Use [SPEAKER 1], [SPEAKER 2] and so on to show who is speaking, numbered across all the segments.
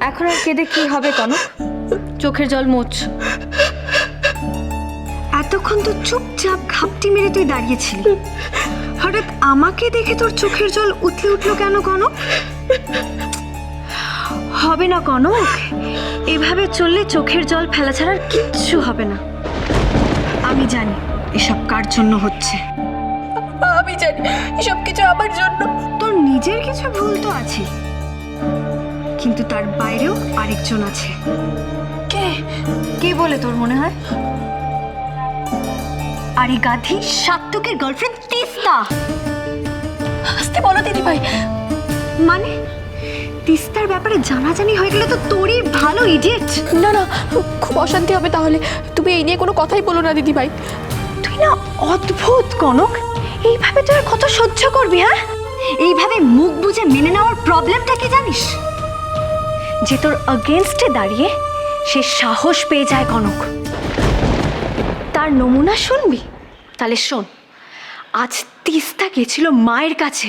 [SPEAKER 1] এখন আর কেঁদে কি হবে কনক? চোখের জল মোছ।
[SPEAKER 2] এতক্ষণ তো চুপচাপ ঘাপটি মেরে তুই দাঁড়িয়েছিলি, হঠাৎ আমাকে দেখে তোর চোখের জল উঠলে উঠলো কেন কনক? হবে না কনক, এভাবে চললে চোখের জল ফেলা ছাড়ার কিচ্ছু হবে না। আমি জানি এসব কার জন্য হচ্ছে।
[SPEAKER 3] আমি জানি এসব কিছু আমার জন্য।
[SPEAKER 2] তোর নিজের কিছু ভুল তো আছে, কিন্তু তার বাইরেও আরেকজন আছে।
[SPEAKER 1] কে? কে বলে তোর মনে হয়?
[SPEAKER 2] আরে গাধি, সাত্তকের গার্লফ্রেন্ড তিস্তা।
[SPEAKER 3] আস্তে বলো দিদিভাই।
[SPEAKER 2] মানে তিস্তার ব্যাপারে জানাজানি হয়ে গেলে তো তোরই ভালো, ইডিয়েট।
[SPEAKER 3] না না, খুব অশান্তি হবে তাহলে। তুমি এই নিয়ে কোনো কথাই বলো না দিদিভাই।
[SPEAKER 2] তুই না অদ্ভুত কনক, এইভাবে তুই আর কত সহ্য করবি? হ্যাঁ, এইভাবে মুখ বুজে মেনে নেওয়ার প্রবলেমটা কি জানিস? যে তোর अगेंस्টে দাঁড়িয়ে সে সাহস পেয়ে যায় কনক। তার নমুনা শুনবি? তাহলে শোন, আজ তিস্তা গেছিল মায়ের কাছে।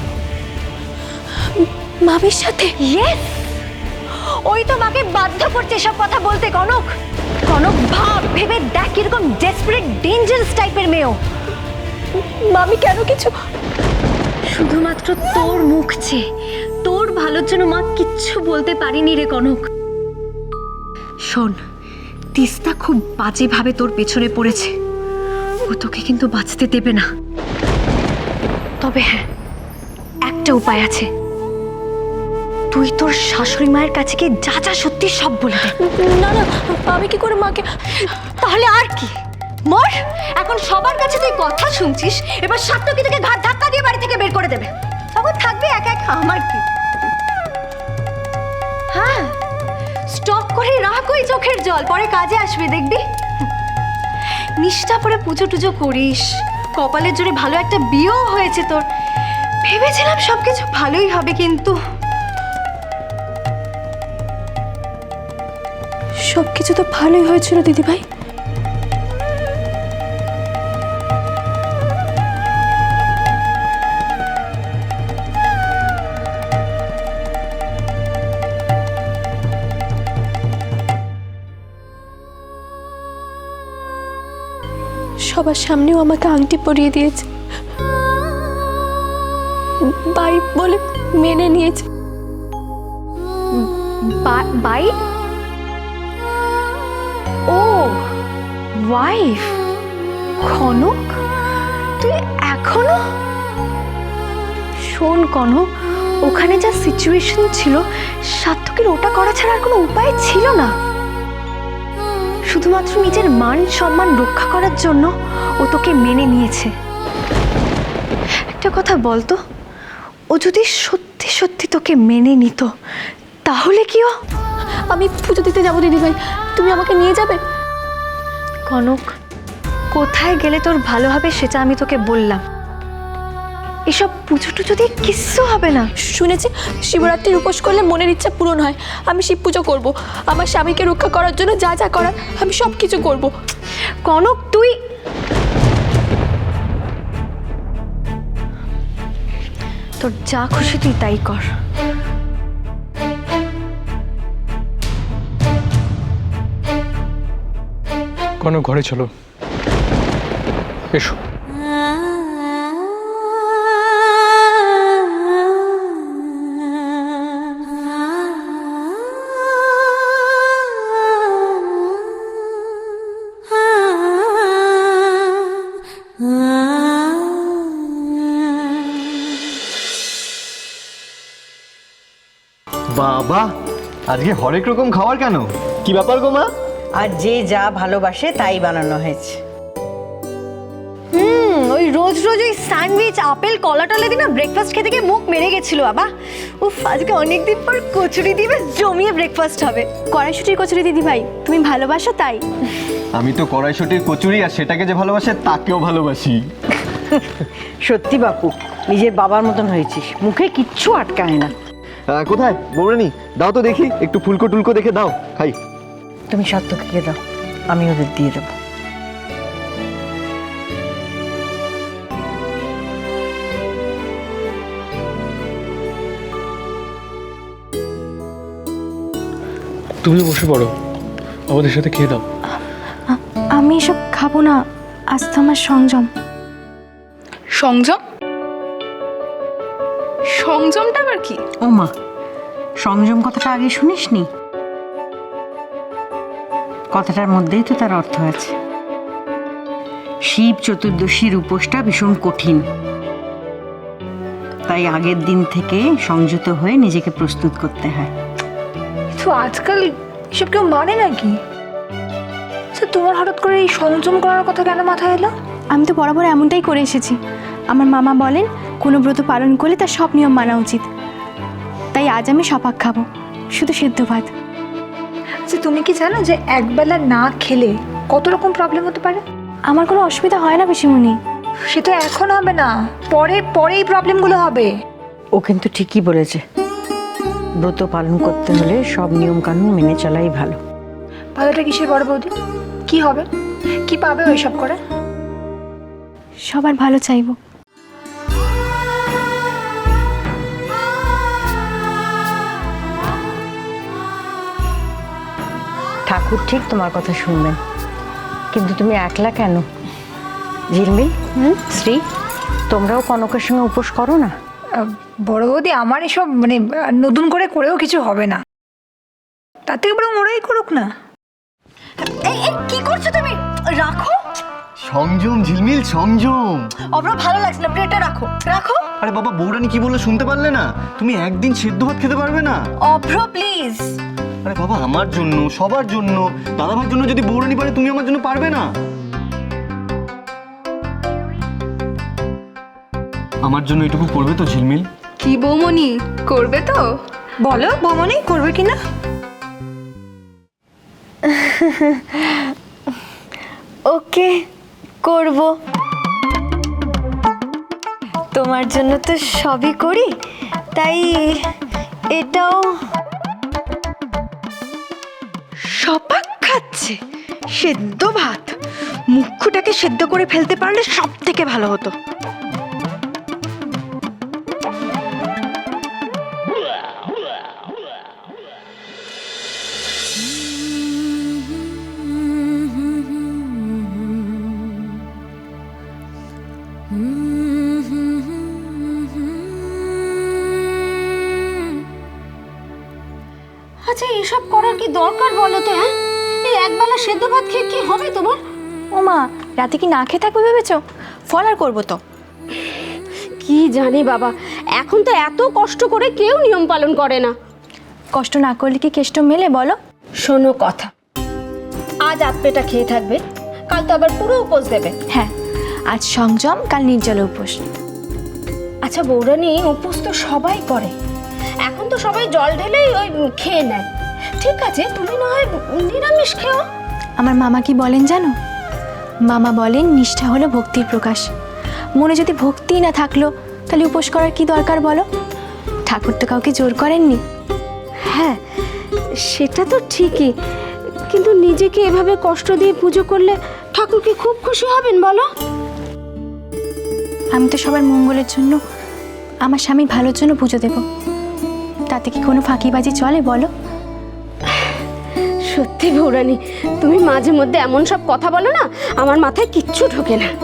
[SPEAKER 3] মামির সাথে?
[SPEAKER 2] ইয়েস, ওই তো মাকে বাধ্য করছে এসব কথা বলতে কনক। কনক ভাব, ভেবে দেখ কিরকম ডেসপারেট ডেঞ্জারাস টাইপের মেয়ে।
[SPEAKER 3] মামি কেন কিছু?
[SPEAKER 2] শুধুমাত্র তোর মুখ চেয়ে তোর ভালোর জন্য মা কিচ্ছু বলতে পারিনি রে কনক। শোন, তিস্তা খুব বাজেভাবে তোর পেছনে পড়েছে, ও তোকে কিন্তু বাঁচতে দেবে না। তবে হ্যাঁ, একটা উপায় আছে। তুই তোর শাশুড়ি মায়ের কাছে গিয়ে যা যা সত্যি সব বলে দে।
[SPEAKER 3] না না, আমি কি করে মাকে?
[SPEAKER 2] তাহলে আর কি, মর। এখন সবার কাছে তুই কথা শুনছিস, এবার সাত্তকী তোকে ঘাট ধাক্কা দিয়ে বাড়ি থেকে বের করে দেবে। তখন থাকবে একা একা, আমার কি? হ্যাঁ, স্টক করে রাখ ওই চোখের জল, পরে কাজে আসবে দেখবি। নিষ্ঠা পরে পুজো টুজো করিস, কপালের জোরে ভালো একটা বিয়েও হয়েছে তোর। ভেবেছিলাম সবকিছু ভালোই হবে, কিন্তু
[SPEAKER 3] সবকিছু তো ভালোই হয়েছিল দিদিভাই। সবার সামনেও আমাকে আংটি পরিয়ে দিয়েছে, বাই বলে মেনে নিয়েছে।
[SPEAKER 2] বাই? ও ওয়াইফ কনক, তুই এখনো? শোন কনক, ওখানে যা সিচুয়েশন ছিল, সাত্তকীর ওটা করা ছাড়া আর কোনো উপায় ছিল না। শুধুমাত্র নিজের মান সম্মান রক্ষা করার জন্য ও তোকে মেনে নিয়েছে। একটা কথা বলতো, ও যদি সত্যি সত্যি তোকে মেনে নিত তাহলে কি?
[SPEAKER 3] আমি পুজো দিতে যাবো দিদিভাই, তুমি আমাকে নিয়ে যাবে?
[SPEAKER 2] কনক, কোথায় গেলে তোর ভালো হবে সেটা আমি তোকে বললাম। এসব পুজো টুজো দিয়ে কিচ্ছু হবে না।
[SPEAKER 3] শুনেছি শিবরাত্রির উপোস করলে মনের ইচ্ছা পূরণ হয়। আমি শিব পুজো করবো, আমার স্বামীকে রক্ষা করার জন্য যা যা করার আমি সব কিছু করবো।
[SPEAKER 2] কনক, তুই তোর যা খুশি তুই তাই কর।
[SPEAKER 4] কোনো ঘরে চলো, এসো।
[SPEAKER 5] বাবা, আজকে হরেক রকম খাবার কেন? কি ব্যাপার গো মা?
[SPEAKER 6] আর যে যা ভালোবাসে তাই বানানো হয়েছে।
[SPEAKER 2] ওই রোজ রোজ ওই স্যান্ডউইচ, আপেল, কলা টলা দিয়ে না ব্রেকফাস্ট খেতে গিয়ে মুখ মেরে গেছিল বাবা। উফ, আজকে অনেকদিন পর কচুরি দিয়ে বেশ জমিয়ে ব্রেকফাস্ট হবে।
[SPEAKER 3] কড়াইশুটির কচুরি দিদিভাই, তুমি ভালোবাসো তাই।
[SPEAKER 5] আমি তো কড়াইশুটির কচুরি আর সেটাকে যে ভালোবাসে তাকেও ভালোবাসি।
[SPEAKER 6] সত্যি বাপু, নিজের বাবার মতন হয়েছিস, মুখে কিচ্ছু আটকায় না।
[SPEAKER 5] কোথায় বৌরানী? দাও তো দেখি, একটু ফুলকো টুলকো দেখে দাও, খাই।
[SPEAKER 6] তুমি সাত্তকীকে দাও, আমি ওদের দিয়ে দেবো।
[SPEAKER 4] তুমি বসে পড়ো, আমাদের সাথে খেয়ে দাও।
[SPEAKER 1] আমি এসব খাবো না, আজ তো আমার সংযম।
[SPEAKER 3] সংযম? সংযমটা আবার কি?
[SPEAKER 6] ও মা, সংযম কথাটা আগে শুনিসনি? কথাটার মধ্যেই তো তার অর্থ আছে। শিব চতুর্দশীর উপোসটা ভীষণ কঠিন, তাই আগের দিন থেকে সংযত হয়ে নিজেকে প্রস্তুত করতে হয়।
[SPEAKER 3] তো আজকাল এসব কেউ মানে নাকি? তোমার হঠাৎ করে এই সংযম করার কথা কেন মাথায় এলো?
[SPEAKER 1] আমি তো বরাবর এমনটাই করে এসেছি। আমার মামা বলেন কোনো ব্রত পালন করলে তার সব নিয়ম মানা উচিত। তাই আজ আমি সপাক খাবো, শুধু সেদ্ধ ভাত।
[SPEAKER 3] আচ্ছা, তুমি কি জানো যে একবেলা না খেলে কত রকম প্রবলেম হতে পারে?
[SPEAKER 1] আমার কোনো অসুবিধা হয় না পিসিমণি।
[SPEAKER 3] সে তো এখন হবে না, পরে পরে এই প্রবলেমগুলো হবে।
[SPEAKER 6] ও কিন্তু ঠিকই বলেছে, ব্রত পালন করতে হলে সব নিয়ম কানুন মেনে চলাই ভালো।
[SPEAKER 3] ভালোটা কিসের বড় বৌদি? কি হবে, কি পাবে ওইসব করে?
[SPEAKER 1] সবার ভালো চাইবো।
[SPEAKER 6] ঠাকুর ঠিক তোমার কথা শুনবেন, কিন্তু তুমি একলা কেন? ঝিলমিল, শ্রী, তোমরাও কনকের সঙ্গে উপোস করো না?
[SPEAKER 3] বড় বৌদি, আমার এসব মানে নতুন করে করেও কিছু হবে না, তার থেকে বরং ওরাই করুক না।
[SPEAKER 2] কি করছো তুমি? রাখো।
[SPEAKER 5] সংযম ঝিলমিল, সংযম।
[SPEAKER 2] অব্র ভালো লাগছে না, প্লেটটা রাখো রাখো।
[SPEAKER 5] আরে বাবা, বৌরানি কি বললো শুনতে পারলে না? তুমি একদিন সেদ্ধ ভাত খেতে পারবে না?
[SPEAKER 2] অভ্র প্লিজ।
[SPEAKER 5] আরে বাবা, আমার জন্য, সবার জন্য, দাদা ভাইয়ের জন্য যদি বৌরানি পারে, তুমি আমার জন্য পারবে না? আমার জন্য এটুকু করবে তো ঝিলমিল?
[SPEAKER 3] কি বৌমনি, করবে তো? বলো বৌমনি, করবে কিনা?
[SPEAKER 1] ওকে, করব। তোমার জন্য তো সবই করি, তাই এটাও।
[SPEAKER 6] সপাক খাচ্ছে সেদ্ধ ভাত, মুখটাকে সেদ্ধ করে ফেলতে পারলে সব থেকে ভালো হতো।
[SPEAKER 2] আচ্ছা, এসব করার কি দরকার বলো তো? হ্যাঁ, এই একবেলা সেদ্ধ ভাত খেয়ে কি হবে তোমার?
[SPEAKER 1] ও মা, রাতে কি না খেয়ে থাকবে ভেবেছো? ফল আর করবো তো।
[SPEAKER 2] কি জানি বাবা, এখন তো এত কষ্ট করে কেউ নিয়ম পালন করে না।
[SPEAKER 1] কষ্ট না করলে কি কেষ্ট মেলে বলো?
[SPEAKER 2] শোনো কথা, আজ আপেটা খেয়ে থাকবে, কাল তো আবার পুরো উপোস দেবে।
[SPEAKER 1] হ্যাঁ, আজ সংযম, কাল নির্জল উপোস।
[SPEAKER 2] আচ্ছা বৌরানি, উপোস তো সবাই করে, এখন তো সবাই জল ঢেলেই ওই খেয়ে নেয়। ঠিক আছে, তুমি না হয় নিরামিষ খেও।
[SPEAKER 1] আমার মামা কি বলেন জানো? মামা বলেন নিষ্ঠা হলো ভক্তির প্রকাশ। মনে যদি ভক্তি না থাকলো তাহলে উপোস করার কি দরকার বলো? ঠাকুর তো কাউকে জোর করেননি।
[SPEAKER 2] হ্যাঁ, সেটা তো ঠিকই, কিন্তু নিজেকে এভাবে কষ্ট দিয়ে পুজো করলে ঠাকুর কি খুব খুশি হবেন বলো?
[SPEAKER 1] আমি তো সবার মঙ্গলের জন্য, আমার স্বামী ভালোর জন্য পুজো দেব, তাতে কি কোনো ফাঁকিবাজি চলে বলো?
[SPEAKER 2] সত্যি বৌরানি, তুমি মাঝে মধ্যে এমন সব কথা বলো না, আমার মাথায় কিচ্ছু ঢোকে না।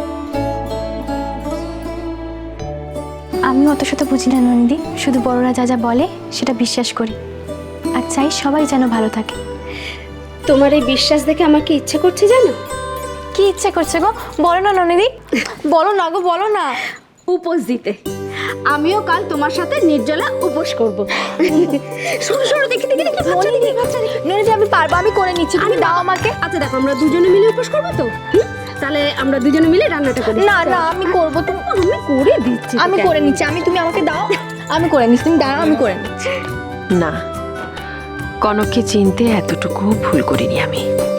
[SPEAKER 1] আমি অত শত বুঝি না নন্দী, শুধু বড়রা যা যা বলে সেটা বিশ্বাস করি, আর চাই সবাই যেন ভালো থাকে।
[SPEAKER 2] তোমার এই বিশ্বাস দেখে আমার কি ইচ্ছে করছে জানো?
[SPEAKER 1] কি ইচ্ছা করছে গো? বলো না নন্দী, বলো না গো, বলো না।
[SPEAKER 2] উপোস দিতে। আমিও কাল তোমার সাথে নির্জলা উপোস করব। সরো সরো, দেখি দেখি দেখি, বাচ্চা দেখি, বাচ্চা দেখি।
[SPEAKER 1] নন্দী, আমি পারবো, আমি করে নিচ্ছি, তুমি দাও আমাকে।
[SPEAKER 2] আচ্ছা দেখো, আমরা দুজনে মিলে উপোস করবো তো? তাহলে আমরা দুজনে মিলে রান্নাটা করি।
[SPEAKER 1] না না, আমি করবো, তুমি।
[SPEAKER 2] আমি করে দিচ্ছি,
[SPEAKER 1] আমি করে নিচ্ছি, তুমি আমাকে দাও, আমি করে নিচ্ছি, তুমি দাঁড়াও, আমি করে নিচ্ছি।
[SPEAKER 7] না, কনককে চিনতে এতটুকু ভুল করিনি আমি।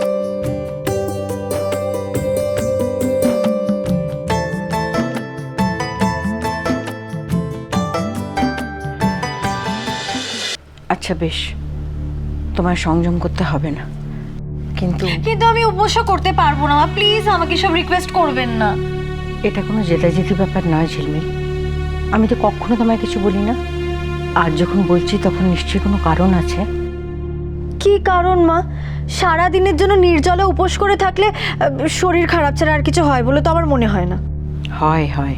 [SPEAKER 6] আচ্ছা বেশ, তোমার সংযম করতে হবে না, কিন্তু
[SPEAKER 1] কিন্তু আমি উপোসও করতে পারবো না, প্লিজ আমাকে সব রিকোয়েস্ট করবেন না।
[SPEAKER 6] এটা কোনো জেদাজেদি ব্যাপার নয় ঝিলমিল। আমি তো কখনো তোমায় কিছু বলি না, আর যখন বলছি তখন নিশ্চয়ই কোনো কারণ আছে।
[SPEAKER 8] কি কারণ মা? সারা দিনের জন্য নির্জলে উপোস করে থাকলে শরীর খারাপ ছাড়া আর কিছু হয় বলে তো আমার মনে হয় না।
[SPEAKER 6] হয় হয়,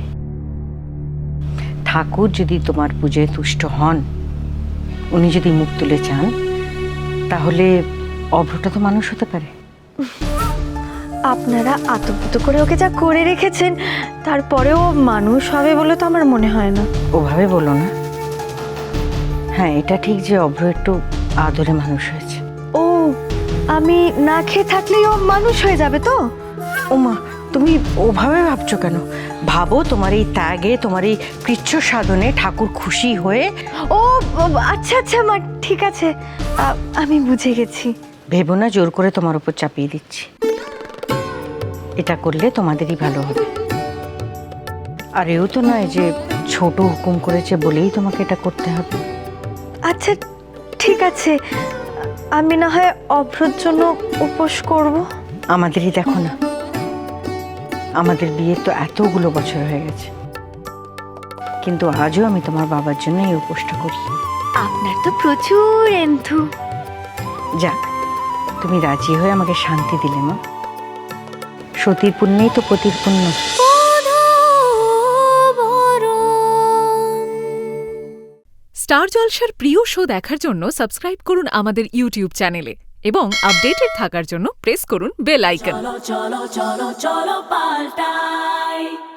[SPEAKER 6] ঠাকুর যদি তোমার পুজোয় তুষ্ট হন, উনি যদি মুখ তুলে চান, তাহলে অভ্রটা তো মানুষ হতে পারে।
[SPEAKER 8] আপনারা আতপুত করে ওকে যা করে রেখেছেন, তারপরেও মানুষ হবে বলে তো আমার মনে হয় না।
[SPEAKER 6] ওভাবে বলো না। হ্যাঁ, এটা ঠিক যে অভ্র একটু আদরে মানুষ হয়েছে।
[SPEAKER 8] ও, আমি না খেয়ে থাকলেই ও মানুষ হয়ে যাবে তো?
[SPEAKER 6] ওমা, তুমি ওভাবে ভাবছো কেন? ভাবো তোমার এই ত্যাগে, তোমার এই কৃচ্ছ সাধনে ঠাকুর খুশি হয়ে।
[SPEAKER 8] ও আচ্ছা আচ্ছা মা, ঠিক আছে, আমি বুঝে গেছি।
[SPEAKER 6] ভেবো না জোর করে তোমার উপর চাপিয়ে দিচ্ছি। এটা করলে তোমাদেরই ভালো হবে। আর এও তো নয় যে ছোট হুকুম করেছে বলেই তোমাকে এটা করতে হবে।
[SPEAKER 8] আচ্ছা ঠিক আছে, আমি না হয় অভ্রর জন্য উপোস করব।
[SPEAKER 6] আমাদেরই দেখো না, আমাদের বিয়ের তো এতগুলো বছর হয়ে গেছে, কিন্তু আজও আমি তোমার বাবার জন্য এই উপোসটা করি।
[SPEAKER 8] আপনার তো প্রচুর এন্থু।
[SPEAKER 6] যাক, তুমি রাজি হয়ে আমাকে শান্তি দিলে মা। সতীর পুণ্যেই তো পতির পুণ্য।
[SPEAKER 9] স্টার জলসার প্রিয় শো দেখার জন্য সাবস্ক্রাইব করুন আমাদের ইউটিউব চ্যানেলে এবং আপডেটেড থাকার জন্য প্রেস করুন বেল আইকন।
[SPEAKER 10] চলো চলো চলো চলো পাল্টাই।